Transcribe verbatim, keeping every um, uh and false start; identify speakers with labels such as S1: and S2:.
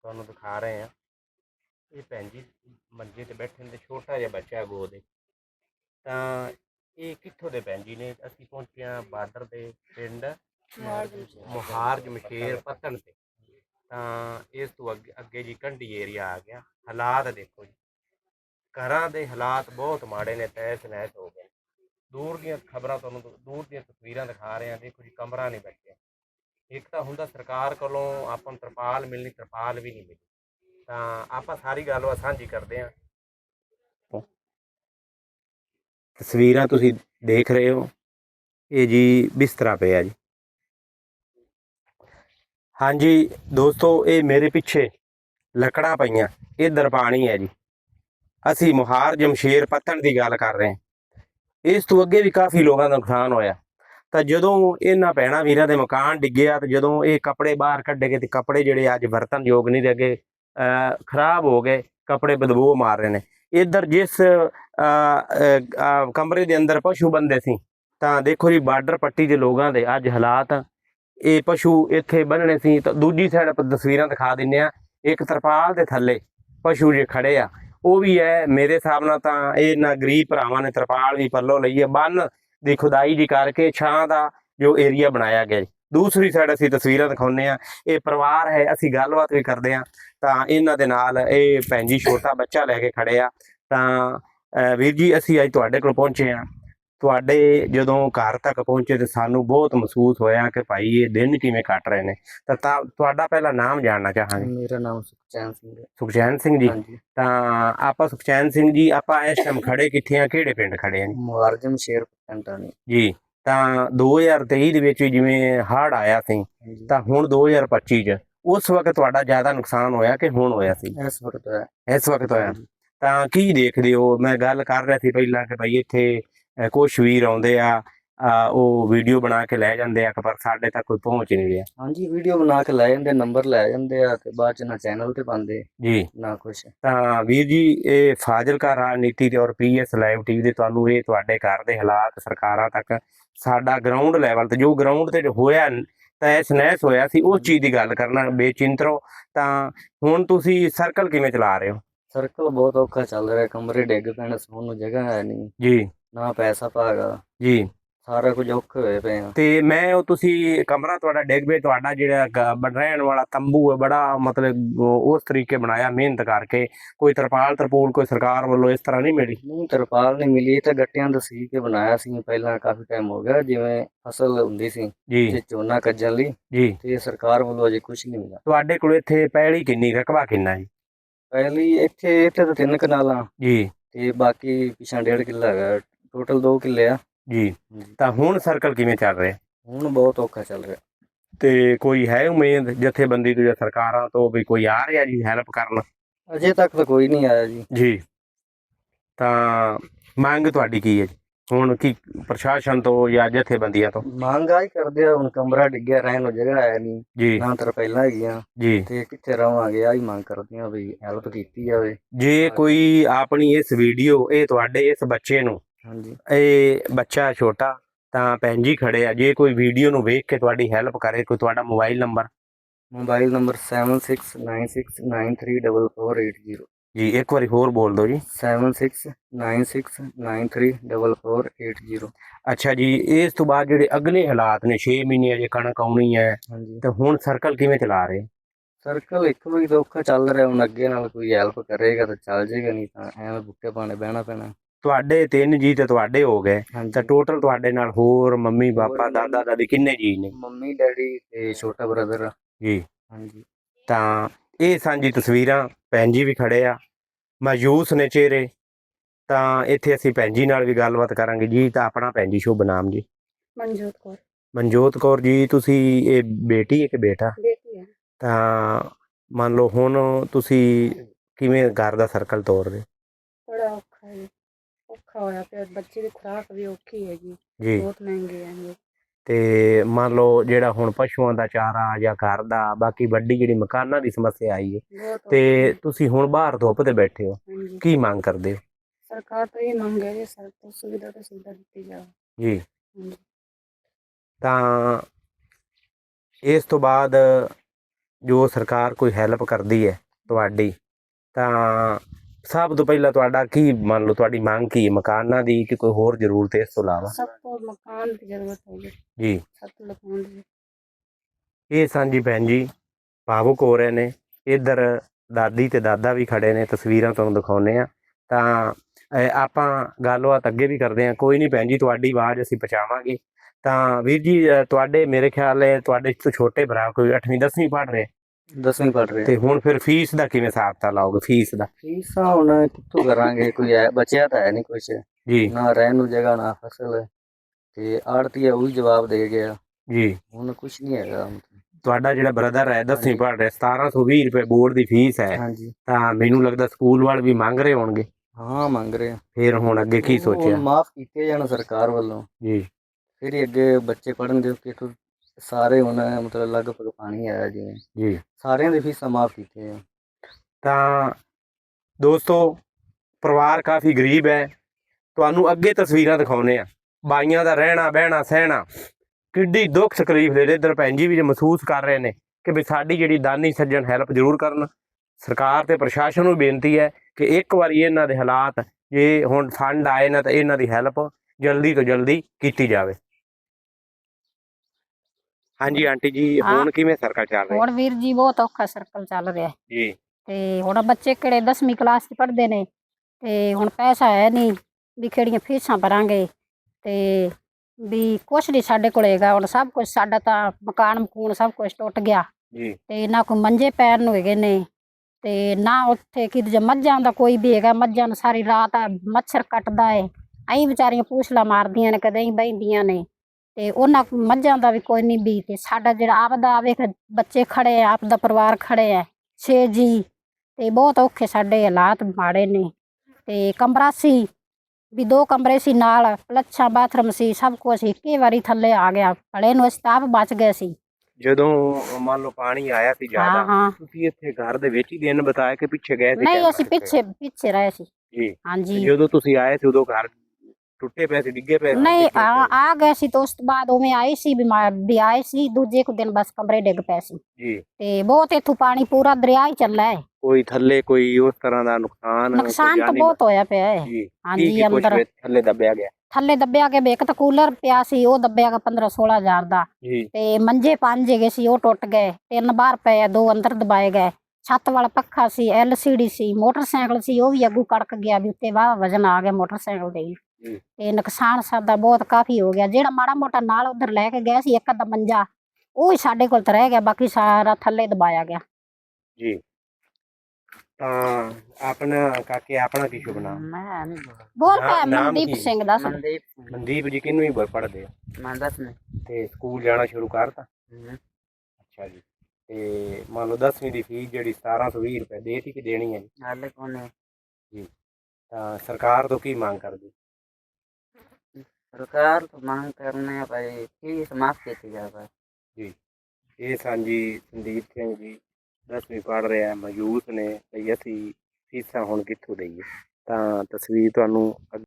S1: ਤੁਹਾਨੂੰ ਦਿਖਾ ਰਹੇ ਹਾਂ। ਇਹ ਭੈਣ ਜੀ ਮੰਜੇ ਤੇ ਬੈਠੇ ਨੇ ਤੇ ਛੋਟਾ ਜਿਹਾ ਬੱਚਾ ਹੈ ਗੋਦ। ਤਾਂ ਇਹ ਕਿੱਥੋਂ ਦੇ ਭੈਣ ਜੀ ਨੇ? ਅਸੀਂ ਪਹੁੰਚੇ ਹਾਂ ਬਾਰਡਰ ਦੇ ਪਿੰਡ ਮੁਹਾਰ ਜਮਸ਼ੇਰ ਪੱਤਣ ਤੇ। ਤਾਂ ਇਸ ਤੋਂ ਅੱਗੇ ਅੱਗੇ ਜੀ ਕੰਢੀ ਏਰੀਆ ਆ ਗਿਆ। ਹਾਲਾਤ ਦੇਖੋ ਜੀ, ਘਰਾਂ ਦੇ ਹਾਲਾਤ ਬਹੁਤ ਮਾੜੇ ਨੇ, ਤਹਿਸ ਨਹਿਸ ਹੋ ਗਏ। ਦੂਰ ਦੀਆਂ ਖਬਰਾਂ ਤੁਹਾਨੂੰ ਦੂਰ ਦੀਆਂ ਤਸਵੀਰਾਂ ਦਿਖਾ ਰਹੇ ਹਾਂ। ਦੇਖੋ ਜੀ, ਕਮਰਾ ਨਹੀਂ ਬਚਿਆ। ਇੱਕ ਤਾਂ ਹੁੰਦਾ ਸਰਕਾਰ ਕੋਲੋਂ ਆਪਾਂ ਨੂੰ ਤਰਪਾਲ ਮਿਲਣੀ, ਤਰਪਾਲ ਵੀ ਨਹੀਂ ਮਿਲੀ। ਤਾਂ ਆਪਾਂ ਸਾਰੀ ਗੱਲਬਾਤ ਸਾਂਝੀ ਕਰਦੇ ਹਾਂ। ਤਸਵੀਰਾਂ ਤੁਸੀਂ ਦੇਖ ਰਹੇ ਹੋ, ਇਹ ਜੀ ਬਿਸਤਰਾ ਪਿਆ ਜੀ। ਹਾਂਜੀ ਦੋਸਤੋ, ਇਹ ਮੇਰੇ ਪਿੱਛੇ ਲੱਕੜਾਂ ਪਈਆਂ, ਇੱਧਰ ਪਾਣੀ ਹੈ ਜੀ। ਅਸੀਂ ਮੁਹਾਰ ਜਮਸ਼ੇਰ ਪੱਤਣ ਦੀ ਗੱਲ ਕਰ ਰਹੇ ਹਾਂ। ਇਸ ਤੋਂ ਅੱਗੇ ਵੀ ਕਾਫੀ ਲੋਕਾਂ ਦਾ ਨੁਕਸਾਨ ਹੋਇਆ। ਤਾਂ ਜਦੋਂ ਇਹਨਾਂ ਭੈਣਾਂ ਵੀਰਾਂ ਦੇ ਮਕਾਨ ਡਿੱਗਿਆ, ਤੇ ਜਦੋਂ ਇਹ ਕੱਪੜੇ ਬਾਹਰ ਕੱਢੇ ਗਏ, ਤੇ ਕੱਪੜੇ ਜਿਹੜੇ ਅੱਜ ਵਰਤਨਯੋਗ ਨਹੀਂ ਰਹੇ, ਖਰਾਬ ਹੋ ਗਏ ਕੱਪੜੇ, ਬਦਬੂ ਮਾਰ ਰਹੇ ਨੇ। ਇੱਧਰ ਜਿਸ ਕਮਰੇ ਦੇ ਅੰਦਰ ਪਸ਼ੂ ਬੰਦੇ ਸੀ, ਤਾਂ ਦੇਖੋ ਜੀ ਬਾਰਡਰ ਪੱਟੀ ਦੇ ਲੋਕਾਂ ਦੇ ਅੱਜ ਹਾਲਾਤ। ਇਹ ਪਸ਼ੂ ਇੱਥੇ ਬੰਨਣੇ ਸੀ, ਤਾਂ ਦੂਜੀ ਸਾਈਡ ਆਪਾਂ ਤਸਵੀਰਾਂ ਦਿਖਾ ਦਿੰਦੇ ਹਾਂ। ਇੱਕ ਤਰਪਾਲ ਦੇ ਥੱਲੇ ਪਸ਼ੂ ਜੇ ਖੜੇ ਆ, ਉਹ ਵੀ ਹੈ ਮੇਰੇ ਹਿਸਾਬ ਨਾਲ ਤਾਂ ਇਹਨਾਂ ਗਰੀਬ ਭਰਾਵਾਂ ਨੇ ਤਰਪਾਲ ਵੀ ਪੱਲੋਂ ਲਈ ਹੈ, ਬੰਨ ਦੀ ਖੁਦਾਈ ਜੀ ਕਰਕੇ ਛਾਂ ਦਾ ਜੋ ਏਰੀਆ ਬਣਾਇਆ ਗਿਆ। ਦੂਸਰੀ ਸਾਈਡ ਅਸੀਂ ਤਸਵੀਰਾਂ ਦਿਖਾਉਂਦੇ ਹਾਂ। ਇਹ ਪਰਿਵਾਰ ਹੈ, ਅਸੀਂ ਗੱਲਬਾਤ ਵੀ ਕਰਦੇ ਹਾਂ। ਤਾਂ ਇਹਨਾਂ ਦੇ ਨਾਲ ਇਹ ਭੈਣ ਜੀ ਛੋਟਾ ਬੱਚਾ ਲੈ ਕੇ ਖੜੇ ਆ। ਤਾਂ ਵੀਰ ਜੀ, ਅਸੀਂ ਅੱਜ ਤੁਹਾਡੇ ਕੋਲ ਪਹੁੰਚੇ ਹਾਂ। ਤੁਹਾਡੇ ਜਦੋਂ ਘਰ ਤੱਕ ਪਹੁੰਚੇ ਤੇ ਸਾਨੂੰ ਬਹੁਤ ਮਹਿਸੂਸ ਹੋਇਆ ਕਿ ਭਾਈ ਇਹ ਦਿਨ ਕਿਵੇਂ ਕੱਟ ਰਹੇ ਨੇ। ਤਾਂ ਤੁਹਾਡਾ ਪਹਿਲਾਂ ਨਾਮ ਜਾਣਨਾ ਚਾਹਾਂਗੇ।
S2: ਮੇਰਾ ਨਾਮ ਸੁਖਚੈਨ ਸਿੰਘ ਹੈ।
S1: ਸੁਖਚੈਨ ਸਿੰਘ ਜੀ। ਤਾਂ ਆਪਾਂ ਸੁਖਚੈਨ ਸਿੰਘ ਜੀ, ਆਪਾਂ ਇਸ ਟਾਈਮ ਖੜੇ ਕਿੱਥੇ ਆ, ਕਿਹੜੇ ਪਿੰਡ ਖੜੇ ਆ?
S2: ਮੁਹਾਰ ਜਮਸ਼ੇਰ ਪੱਤਣ
S1: ਜੀ। ਤਾਂ ਦੋ ਹਜ਼ਾਰ ਤੇਈ ਦੇ ਵਿੱਚ ਜਿਵੇਂ ਹੜ੍ਹ ਆਇਆ ਸੀ, ਤਾਂ ਹੁਣ ਦੋ ਹਜ਼ਾਰ ਪੱਚੀ ਚ ਉਸ ਵਕਤ ਤੁਹਾਡਾ ਜ਼ਿਆਦਾ ਨੁਕਸਾਨ ਹੋਇਆ ਕਿ ਹੁਣ ਹੋਇਆ ਸੀ?
S2: ਇਸ ਵਕਤ ਹੋਇਆ।
S1: ਇਸ ਵਕਤ ਹੋਇਆ। ਤਾਂ ਕੀ ਦੇਖਦੇ ਹੋ? ਮੈਂ ਗੱਲ ਕਰ ਰਿਹਾ ਸੀ ਪਹਿਲਾਂ ਕਿ ਭਾਈ ਇੱਥੇ ਕੁਛ ਵੀਰ ਆਉਂਦੇ ਆ, ਉਹ ਵੀਡੀਓ ਬਣਾ ਕੇ ਲੈ ਜਾਂਦੇ ਆ, ਪਰ ਸਾਡੇ ਤੱਕ ਕੋਈ ਪਹੁੰਚ ਨਹੀਂ ਰਿਹਾ।
S2: ਹਾਂਜੀ, ਵੀਡੀਓ ਬਣਾ ਕੇ ਲੈ ਜਾਂਦੇ, ਨੰਬਰ ਲੈ ਜਾਂਦੇ ਆ, ਤੇ ਬਾਅਦ ਚ ਨਾ ਚੈਨਲ ਤੇ ਪਾਉਂਦੇ
S1: ਜੀ
S2: ਨਾ ਕੁਛ।
S1: ਤਾਂ ਵੀਰ ਜੀ, ਇਹ ਫਾਜ਼ਿਲਕਾ ਰਾਜਨੀਤੀ ਤੇ ਔਰ ਪੀ ਐਸ ਲਾਈਵ ਟੀਵੀ ਦੇ ਤੁਹਾਨੂੰ ਇਹ ਤੁਹਾਡੇ ਘਰ ਦੇ ਹਾਲਾਤ ਸਰਕਾਰਾਂ ਤੱਕ, ਸਾਡਾ ਗਰਾਊਂਡ ਲੈਵਲ ਤੇ ਜੋ ਗਰਾਊਂਡ ਤੇ ਹੋਇਆ ਤਹਿਸ ਨਹਿਸ ਹੋਇਆ ਸੀ, ਉਸ ਚੀਜ਼ ਦੀ ਗੱਲ ਕਰਨਾ ਬੇਚਿੰਤਰੋ। ਤਾਂ ਹੁਣ ਤੁਸੀਂ ਸਰਕਲ ਕਿਵੇਂ ਚਲਾ ਰਹੇ ਹੋ?
S2: ਸਰਕਲ ਬਹੁਤ ਔਖਾ ਚੱਲ ਰਿਹਾ, ਕਮਰੇ ਡਿੱਗ ਪੈਣ, ਸੌਣ ਨੂੰ ਜਗ੍ਹਾ ਹੈ ਨਹੀਂ
S1: ਜੀ,
S2: ਨਾ ਪੈਸਾ ਭਾਗਾ
S1: ਜੀ,
S2: ਸਾਰਾ ਕੁਝ ਔਖੇ ਹੋਏ ਪਏ ਆ।
S1: ਤੇ ਮੈਂ ਉਹ ਤੁਸੀਂ ਕਮਰਾ ਤੁਹਾਡਾ ਡਿੱਗ ਪਏ, ਤੁਹਾਡਾ ਜਿਹੜਾ ਰਹਿਣ ਵਾਲਾ ਤੰਬੂ ਹੈ ਬੜਾ ਮਤਲਬ ਉਸ ਤਰੀਕੇ ਬਣਾਇਆ ਮਿਹਨਤ ਕਰਕੇ, ਕੋਈ ਤਰਪਾਲ ਤਰਪੂਲ ਕੋਈ ਸਰਕਾਰ ਵੱਲੋਂ ਇਸ ਤਰ੍ਹਾਂ ਨਹੀਂ ਮਿਲੀ?
S2: ਨਹੀਂ, ਤਰਪਾਲ ਨਹੀਂ ਮਿਲੀ, ਤਾਂ ਗੱਟਿਆਂ ਦਾ ਸੀ ਕੇ ਬਣਾਇਆ ਸੀ ਪਹਿਲਾਂ, ਕਾਫੀ ਟਾਈਮ ਹੋ ਗਿਆ, ਜਿਵੇਂ ਫਸਲ ਹੁੰਦੀ ਸੀ
S1: ਜੀ,
S2: ਝੋਨਾ ਕੱਜਣ ਲਈ
S1: ਜੀ।
S2: ਤੇ ਸਰਕਾਰ ਵੱਲੋਂ ਅਜੇ ਕੁਝ ਨਹੀਂ ਮਿਲਿਆ।
S1: ਤੁਹਾਡੇ ਕੋਲ ਇੱਥੇ ਪੈਲੀ ਕਿੰਨੀ, ਰਕਬਾ ਕਿੰਨਾ ਜੀ?
S2: ਪਹਿਲੀ ਇੱਥੇ ਇੱਥੇ ਤਾਂ ਤਿੰਨ ਕਨਾਲਾਂ
S1: ਜੀ,
S2: ਤੇ ਬਾਕੀ ਪਿਛਾਂ ਡੇਢ ਕਿੱਲਾ ਹੈਗਾ, ਟੋਟਲ ਦੋ ਕਿੱਲੇ ਆ
S1: ਜੀ। ਤਾਂ ਹੁਣ ਸਰਕਲ ਕਿਵੇਂ ਚੱਲ ਰਿਹਾ?
S2: ਹੁਣ ਬਹੁਤ ਔਖਾ ਚੱਲ ਰਿਹਾ।
S1: ਤੇ ਕੋਈ ਹੈ ਉਮੀਦ ਜਥੇਬੰਦੀ ਤੋਂ ਜਾਂ ਸਰਕਾਰਾਂ ਤੋਂ ਵੀ ਕੋਈ ਆ ਰਿਹਾ ਜੀ ਹੈਲਪ ਕਰਨ?
S2: ਅਜੇ ਤੱਕ ਤਾਂ ਕੋਈ ਨਹੀਂ ਆਇਆ ਜੀ।
S1: ਜੀ। ਤਾਂ ਮੰਗ ਤੁਹਾਡੀ ਕੀ ਹੈ ਜੀ ਹੁਣ? ਕੀ ਪ੍ਰਸ਼ਾਸਨ ਤੋਂ ਜਾਂ ਜਥੇਬੰਦੀਆਂ ਤੋਂ?
S2: ਮੰਗ ਆਈ ਕਰਦੇ ਆ, ਹੁਣ ਕਮਰਾ ਡਿੱਗਿਆ, ਰਹਿਣ ਨੂੰ ਜਗ੍ਹਾ ਹੈ ਨਹੀਂ
S1: ਜੀ,
S2: ਨਾ ਤਰਪਾਲਾਂ ਹੈਗੀਆਂ
S1: ਜੀ,
S2: ਤੇ ਕਿੱਥੇ ਰਵਾਂਗੇ, ਆਹੀ ਮੰਗ ਕਰਦੇ ਆ ਵੀ ਹੈਲਪ ਕੀਤੀ ਜਾਵੇ।
S1: ਜੇ ਕੋਈ ਆਪਣੀ ਇਸ ਵੀਡੀਓ, ਇਹ ਤੁਹਾਡੇ ਇਸ ਬੱਚੇ ਨੂੰ,
S2: ਹਾਂਜੀ,
S1: ਇਹ ਬੱਚਾ ਛੋਟਾ ਤਾਂ ਭੈਣ ਜੀ ਖੜੇ ਆ, ਜੇ ਕੋਈ ਵੀਡੀਓ ਨੂੰ ਵੇਖ ਕੇ ਤੁਹਾਡੀ ਹੈਲਪ ਕਰੇ, ਕੋਈ ਤੁਹਾਡਾ mobile number?
S2: Mobile number seven six nine six nine three double four eight zero.
S1: ਜੀ, ਇੱਕ ਵਾਰੀ ਹੋਰ ਬੋਲ ਦਿਓ ਜੀ।
S2: Seven six nine six nine three double four eight zero.
S1: ਅੱਛਾ ਜੀ। ਇਸ ਤੋਂ ਬਾਅਦ ਜਿਹੜੇ ਅਗਲੇ ਹਾਲਾਤ ਨੇ, ਛੇ ਮਹੀਨੇ ਅਜੇ ਕਣਕ ਆਉਣੀ ਹੈ,
S2: ਹਾਂਜੀ,
S1: ਤੇ ਹੁਣ ਸਰਕਲ ਕਿਵੇਂ ਚਲਾ ਰਹੇ?
S2: ਸਰਕਲ ਇੱਕ ਵਾਰੀ ਤਾਂ ਔਖਾ ਚੱਲ ਰਿਹਾ, ਹੁਣ ਅੱਗੇ ਨਾਲ ਕੋਈ ਹੈਲਪ ਕਰੇਗਾ ਤਾਂ ਚੱਲ ਜਾਏਗਾ, ਨਹੀਂ ਤਾਂ ਐਵੇਂ ਬੁੱਕੇ ਪਾਣੇ ਬਹਿਣਾ ਪੈਣਾ।
S1: ਤੁਹਾਡੇ ਤਿੰਨ ਜੀ ਤੇ ਤੁਹਾਡੇ ਹੋ ਗਏ, ਤਾਂ
S2: ਹਾਂਜੀ,
S1: ਟੋਟਲ ਤੁਹਾਡੇ ਨਾਲ ਹੋਰ ਮੰਮੀ ਪਾਪਾ ਦਾਦਾ ਦਾਦੀ ਕਿੰਨੇ ਜੀ ਨੇ?
S2: ਮੰਮੀ ਡੈਡੀ ਤੇ ਛੋਟਾ ਬ੍ਰਦਰ।
S1: ਜੀ।
S2: ਹਾਂਜੀ।
S1: ਤਾਂ ਇਹ ਸਾਂਝੀ ਤਸਵੀਰਾਂ, ਭੈਣ ਜੀ ਵੀ ਖੜੇ ਆ, ਮਾਯੂਸ ਨੇ ਚਿਹਰੇ। ਤਾਂ ਇੱਥੇ ਅਸੀਂ ਭੈਣ ਜੀ ਨਾਲ ਵੀ ਗੱਲਬਾਤ ਕਰਾਂਗੇ ਜੀ। ਤਾਂ ਆਪਣਾ ਭੈਣ ਜੀ ਸ਼ੁਭ ਨਾਮ ਜੀ?
S3: ਮਨਜੋਤ ਕੌਰ।
S1: ਮਨਜੋਤ ਕੌਰ ਜੀ, ਤੁਸੀਂ ਇਹ ਬੇਟੀ ਹੈ ਕਿ ਬੇਟਾ?
S3: ਬੇਟੀ ਹੈ।
S1: ਤਾਂ ਮੰਨ ਲਓ ਹੁਣ ਤੁਸੀਂ ਕਿਵੇਂ ਘਰ ਦਾ ਸਰਕਲ ਤੋਰ ਰਹੇ?
S3: ਬੜਾ ਔਖਾ ਹੈ, ਔਖਾ ਹੋਇਆ ਪਿਆ, ਬੱਚੇ ਦੀ ਖੁਰਾਕ ਵੀ ਔਖੀ ਹੈਗੀ,
S1: ਜੀ।
S3: ਬਹੁਤ ਮਹਿੰਗੇ ਹੈ।
S1: ਤੇ ਮੰਨ ਲਓ ਜਿਹੜਾ ਹੁਣ ਪਸ਼ੂਆਂ ਦਾ ਚਾਰਾ ਜਾਂ ਘਰ ਦਾ, ਬਾਕੀ ਵੱਡੀ ਜਿਹੜੀ ਮਕਾਨਾਂ ਦੀ ਸਮੱਸਿਆ ਆਈ ਹੈ, ਤੇ ਤੁਸੀਂ ਹੁਣ ਬਾਹਰ ਧੁੱਪ ਤੇ ਬੈਠੇ ਹੋ, ਕੀ ਮੰਗ ਕਰਦੇ ਹੋ?
S3: ਸਰਕਾਰ ਤੋਂ ਇਹ ਮੰਗ ਹੈ ਜੀ, ਸਰ ਤੋਂ ਸੁਵਿਧਾ ਤੋਂ ਸੁਵਿਧਾ ਦਿੱਤੀ ਜਾਵੇ
S1: ਜੀ।
S3: ਹਾਂਜੀ।
S1: ਤਾਂ ਇਸ ਤੋਂ ਬਾਅਦ ਜੋ ਸਰਕਾਰ ਕੋਈ ਹੈਲਪ ਕਰਦੀ ਹੈ ਤੁਹਾਡੀ, ਤਾਂ ਸਭ ਤੋਂ ਪਹਿਲਾਂ ਤੁਹਾਡਾ ਕੀ ਮੰਨ ਲਓ ਤੁਹਾਡੀ ਮੰਗ ਕੀ ਹੈ, ਮਕਾਨਾਂ ਦੀ ਕਿ ਕੋਈ ਹੋਰ ਜ਼ਰੂਰਤ ਹੈ ਇਸ ਤੋਂ ਇਲਾਵਾ?
S3: ਸਭ ਤੋਂ ਮਕਾਨ ਦੀ ਜ਼ਰੂਰਤ ਹੈ
S1: ਜੀ
S3: ਛੱਤ ਲਗਾਉਣ ਦੀ।
S1: ਇਹ ਸਾਂਝੀ ਭੈਣ ਜੀ ਭਾਵੁਕ ਹੋ ਰਹੇ ਨੇ। ਇੱਧਰ ਦਾਦੀ ਤੇ ਦਾਦਾ ਵੀ ਖੜੇ ਨੇ, ਤਸਵੀਰਾਂ ਤੁਹਾਨੂੰ ਦਿਖਾਉਂਦੇ ਆ। ਤਾਂ ਅਹ, ਆਪਾਂ ਗੱਲਬਾਤ ਅੱਗੇ ਵੀ ਕਰਦੇ ਹਾਂ। ਕੋਈ ਨਹੀਂ ਭੈਣ ਜੀ, ਤੁਹਾਡੀ ਆਵਾਜ਼ ਅਸੀਂ ਪਹੁੰਚਾਵਾਂਗੇ। ਤਾਂ ਵੀਰ ਜੀ ਅਹ, ਤੁਹਾਡੇ ਮੇਰੇ ਖਿਆਲ ਹੈ ਤੁਹਾਡੇ ਤੋਂ ਛੋਟੇ ਭਰਾ ਕੋਈ ਅੱਠਵੀਂ ਦਸਵੀਂ ਪੜ੍ਹ ਰਹੇ,
S2: ਦਸਵੀਂ ਪੜ੍ਹ ਰਹੇ
S1: ਤੇ ਹੁਣ ਫਿਰ ਫੀਸ ਦਾ ਕਿਵੇਂ ਹਿਸਾਬ ਤਾਂ ਲਾਓਗੇ? ਫੀਸ ਦਾ
S2: ਫੀਸਾਂ ਹੁਣ ਕਿੱਥੋਂ ਕਰਾਂਗੇ, ਕੋਈ ਹੈ ਬਚਿਆ ਤਾਂ ਹੈ ਨਹੀਂ ਕੁਛ,
S1: ਜੀ
S2: ਨਾ ਰਹਿਣ ਨੂੰ ਜਗ੍ਹਾ ਨਾ ਫਸਲ, ਤੇ ਆੜਤੀ ਉਹੀ ਜਵਾਬ ਦੇ ਗਿਆ,
S1: ਜੀ।
S2: ਹੁਣ ਕੁਛ ਨਹੀਂ ਹੈਗਾ।
S1: ਤੁਹਾਡਾ ਜਿਹੜਾ ਬ੍ਰਦਰ ਹੈ ਦਸਵੀਂ ਪੜ੍ਹ ਰਿਹਾ, ਸਤਾਰਾਂ ਸੌ ਵੀਹ ਰੁਪਏ ਬੋਰਡ ਦੀ ਫੀਸ ਹੈ,
S2: ਹਾਂਜੀ
S1: ਤਾਂ ਮੈਨੂੰ ਲੱਗਦਾ ਸਕੂਲ ਵਾਲੇ ਵੀ ਮੰਗ ਰਹੇ ਹੋਣਗੇ।
S2: ਹਾਂ ਮੰਗ ਰਹੇ ਆ।
S1: ਫਿਰ ਹੁਣ ਅੱਗੇ ਕੀ ਸੋਚਿਆ?
S2: ਮਾਫ ਕੀਤੇ ਜਾਣ ਸਰਕਾਰ ਵੱਲੋਂ,
S1: ਜੀ
S2: ਫਿਰ ਹੀ ਅੱਗੇ ਬੱਚੇ ਪੜ੍ਹਨਗੇ। ਕਿ ਸਾਰੇ ਹੁਣ ਮਤਲਬ ਲਗਭਗ ਪਾਣੀ ਆਇਆ ਜਿਵੇਂ,
S1: ਜੀ।
S2: ਸਾਰਿਆਂ ਦੀ ਫੀਸਾਂ ਮਾਫ ਕੀਤੀਆਂ।
S1: ਤਾਂ ਦੋਸਤੋ ਪਰਿਵਾਰ ਕਾਫੀ ਗਰੀਬ ਹੈ, ਤੁਹਾਨੂੰ ਅੱਗੇ ਤਸਵੀਰਾਂ ਦਿਖਾਉਂਦੇ ਆ। ਬਾਈਆਂ ਦਾ ਰਹਿਣਾ ਬਹਿਣਾ ਸਹਿਣਾ ਕਿੱਡੀ ਦੁੱਖ ਤਕਲੀਫ ਦੇ ਦੇ। ਇੱਧਰ ਭੈਣ ਜੀ ਵੀ ਜੇ ਮਹਿਸੂਸ ਕਰ ਰਹੇ ਨੇ ਕਿ ਵੀ ਸਾਡੀ ਜਿਹੜੀ ਦਾਨੀ ਸੱਜਣ ਹੈਲਪ ਜ਼ਰੂਰ ਕਰਨ। ਸਰਕਾਰ ਤੇ ਪ੍ਰਸ਼ਾਸਨ ਨੂੰ ਬੇਨਤੀ ਹੈ ਕਿ ਇੱਕ ਵਾਰੀ ਇਹਨਾਂ ਦੇ ਹਾਲਾਤ ਜੇ ਹੁਣ ਫੰਡ ਆਏ ਨਾ ਤਾਂ ਇਹਨਾਂ ਦੀ ਹੈਲਪ ਜਲਦੀ ਤੋਂ ਜਲਦੀ ਕੀਤੀ ਜਾਵੇ। ਹਾਂਜੀ ਆਂਟੀ ਜੀ, ਹੁਣ ਕਿਵੇਂ ਸਰਕਲ ਚੱਲ ਰਿਹਾ?
S3: ਹੁਣ ਵੀਰ ਜੀ ਬਹੁਤ ਔਖਾ ਸਰਕਲ ਚੱਲ ਰਿਹਾ
S1: ਜੀ
S3: ਤੇ ਹੁਣ ਬੱਚੇ ਕਿਹੜੇ ਦਸਵੀਂ ਕਲਾਸ 'ਚ ਪੜ੍ਹਦੇ ਨੇ, ਤੇ ਹੁਣ ਪੈਸਾ ਹੈ ਨਹੀਂ ਵੀ ਕਿਹੜੀਆਂ ਫੀਸਾਂ ਭਰਾਂਗੇ, ਤੇ ਵੀ ਕੁਛ ਨਹੀਂ ਸਾਡੇ ਕੋਲ ਹੈਗਾ। ਹੁਣ ਸਭ ਕੁਝ ਸਾਡਾ ਤਾਂ ਮਕਾਨ ਮਕੂਨ ਸਭ ਕੁਝ ਟੁੱਟ ਗਿਆ,
S1: ਜੀ
S3: ਤੇ ਨਾ ਕੋਈ ਮੰਜੇ ਪੈਰ ਨੂੰ ਹੈਗੇ ਨੇ, ਤੇ ਨਾ ਉੱਥੇ ਕਿ ਜੇ ਮੱਝਾਂ ਦਾ ਕੋਈ ਵੀ ਹੈਗਾ। ਮੱਝਾਂ ਨੂੰ ਸਾਰੀ ਰਾਤ ਮੱਛਰ ਕੱਟਦਾ ਹੈ, ਅਸੀਂ ਵਿਚਾਰੀਆਂ ਪੂਛਲਾ ਮਾਰਦੀਆਂ ਨੇ, ਕਦੇ ਹੀ ਬਹਿੰਦੀਆਂ ਨੇ, ਤੇ ਉਹਨਾਂ ਮੱਝਾਂ ਦਾ ਵੀ ਕੋਈ ਨਹੀਂ ਵੀ। ਤੇ ਸਾਡਾ ਜਿਹੜਾ ਆਪਦਾ ਵੇਖ ਬੱਚੇ ਖੜੇ ਆ, ਆਪਦਾ ਪਰਿਵਾਰ ਖੜੇ ਆ ਛੇ ਜੀ, ਤੇ ਬਹੁਤ ਔਖੇ ਸਾਡੇ ਹਾਲਾਤ ਮਾੜੇ ਨੇ। ਤੇ ਕਮਰਾ ਸੀ ਵੀ ਦੋ ਕਮਰੇ ਸੀ, ਨਾਲ ਪਲੱਛਾਂ ਬਾਥਰੂਮ ਸੀ, ਸਭ ਕੁਛ ਇੱਕੇ ਵਾਰੀ ਥੱਲੇ ਆ ਗਿਆ। ਭਲੇ ਨੂੰ ਅਸੀਂ ਤਾਂ ਆਪ ਬਚ ਗਏ ਸੀ।
S1: ਜਦੋਂ ਮੰਨ ਲਓ ਪਾਣੀ ਆਇਆ ਸੀ
S3: ਹਾਂ
S1: ਜ਼ਿਆਦਾ,
S3: ਹਾਂ
S1: ਤੁਸੀਂ ਇੱਥੇ ਘਰ ਦੇ ਵਿੱਚ ਹੀ ਦਿਨ ਬਿਤਾਏ ਕਿ ਪਿੱਛੇ ਗਏ ਸੀ?
S3: ਨਹੀਂ ਅਸੀਂ ਪਿੱਛੇ ਪਿੱਛੇ ਰਹੇ ਸੀ।
S1: ਜੀ
S3: ਹਾਂਜੀ
S1: ਜਦੋਂ ਤੁਸੀਂ ਆਏ ਸੀ ਉਦੋਂ ਘਰ ਟੁੱਟੇ ਪਏ ਸੀ, ਡਿੱਗੇ ਪਏ ਸੀ?
S3: ਨਹੀਂ ਆ ਆ ਗਏ ਸੀ, ਤੇ ਉਸ ਤੋਂ ਬਾਅਦ ਉਵੇਂ ਆਏ ਸੀ ਵੀ ਵੀ ਆਏ ਸੀ ਦੂਜੇ ਕੁ ਦਿਨ ਬਸ ਕਮਰੇ ਡਿੱਗ ਪਏ ਸੀ।
S1: ਜੀ
S3: ਤੇ ਬਹੁਤ ਇੱਥੋਂ ਪਾਣੀ ਪੂਰਾ ਦਰਿਆ ਹੀ ਚੱਲਾ ਹੈ।
S1: ਕੋਈ ਥੱਲੇ ਕੋਈ ਉਸ ਤਰ੍ਹਾਂ ਦਾ ਨੁਕਸਾਨ?
S3: ਨੁਕਸਾਨ ਤਾਂ ਬਹੁਤ ਹੋਇਆ ਪਿਆ ਹੈ।
S1: ਜੀ
S3: ਹਾਂਜੀ ਅੰਦਰ
S1: ਥੱਲੇ ਦੱਬਿਆ ਗਿਆ?
S3: ਥੱਲੇ ਦੱਬਿਆ ਗਿਆ, ਇੱਕ ਤਾਂ ਕੂਲਰ ਪਿਆ ਸੀ ਉਹ ਦੱਬਿਆ ਗਿਆ ਪੰਦਰਾਂ ਸੋਲਾਂ ਹਜ਼ਾਰ ਦਾ,
S1: ਜੀ
S3: ਤੇ ਮੰਜੇ ਪੰਜ ਹੈਗੇ ਸੀ ਉਹ ਟੁੱਟ ਗਏ, ਤਿੰਨ ਬਾਹਰ ਪਏ, ਦੋ ਅੰਦਰ ਦਬਾਏ ਗਏ। ਛੱਤ ਵਾਲਾ ਪੱਖਾ ਸੀ, ਐਲ ਸੀ ਡੀ ਸੀ, ਮੋਟਰਸਾਈਕਲ ਸੀ ਉਹ ਵੀ ਅੱਗੂ ਕੜਕ ਗਿਆ ਵੀ ਉੱਤੇ ਵਾਹ ਵਜਨ ਆ ਗਿਆ ਮੋਟਰਸਾਈਕਲ ਦੇ ਹੀ। ਤੇ ਨੁਕਸਾਨ ਸਾਡਾ ਬਹੁਤ ਕਾਫੀ ਹੋ ਗਿਆ। ਜਿਹੜਾ ਮਾੜਾ ਮੋਟਾ ਨਾਲ ਉਧਰ ਲੈ ਕੇ ਗਿਆ ਸੀ ਇੱਕ ਅੱਧਾ ਮੰਜਾ, ਉਹ ਹੀ ਸਾਡੇ ਕੋਲ ਤਾਂ ਰਹਿ ਗਿਆ, ਬਾਕੀ ਸਾਰਾ ਥੱਲੇ ਦਬਾਇਆ ਗਿਆ।
S1: ਜੀ ਤਾਂ ਆਪਣਾ ਕਾਕੇ ਆਪਣਾ ਕੀ ਸ਼ੁਭ ਨਾਮ?
S2: ਮੈਂ
S3: ਬੋਲ
S1: ਨਾ-
S3: ਪਾ
S1: ਨਾਮ
S3: ਮਨਦੀਪ
S1: ਕੀ?
S3: ਸਿੰਘ ਦੱਸ।
S2: ਮਨਦੀਪ
S1: ਮਨਦੀਪ ਜੀ ਕਿਹਨੂੰ ਹੀ ਪੜ੍ਹਦੇ ਆ
S2: ਮੈਂ ਦੱਸਨੇ।
S1: ਤੇ ਸਕੂਲ ਜਾਣਾ ਸ਼ੁਰੂ ਕਰਤਾ? ਅੱਛਾ ਜੀ। ਤੇ ਮੰਨ ਲਓ ਦਸਵੀਂ ਦੀ ਫੀਸ ਜਿਹੜੀ ਸਤਾਰਾਂ ਸੌ ਵੀਹ ਰੁਪਏ ਦੇਤੀ ਕਿ ਦੇਣੀ ਹੈ ਜੀ?
S2: ਹਾਲੇ ਕੋਨੇ
S1: ਜੀ ਤਾਂ ਸਰਕਾਰ ਤੋਂ ਕੀ ਮੰਗ ਕਰਦੇ?
S2: ਸਰਕਾਰ ਤੋਂ ਮੰਗ ਕਰਨੇ ਆ ਭਾਈ ਫੀਸ ਮਾਫ ਕੀਤੀ ਜਾਵੇ।
S1: ਜੀ ਇਹ ਸਾਂਝੀ ਸੰਦੀਪ ਸਿੰਘ ਜੀ ਦਸਵੀਂ ਪੜ੍ਹ ਰਿਹਾ, ਮਾਯੂਸ ਨੇ ਵੀ ਅਸੀਂ ਫੀਸਾਂ ਹੁਣ ਕਿੱਥੋਂ ਦੇਈਏ। ਤਾਂ ਤਸਵੀਰ ਤੁਹਾਨੂੰ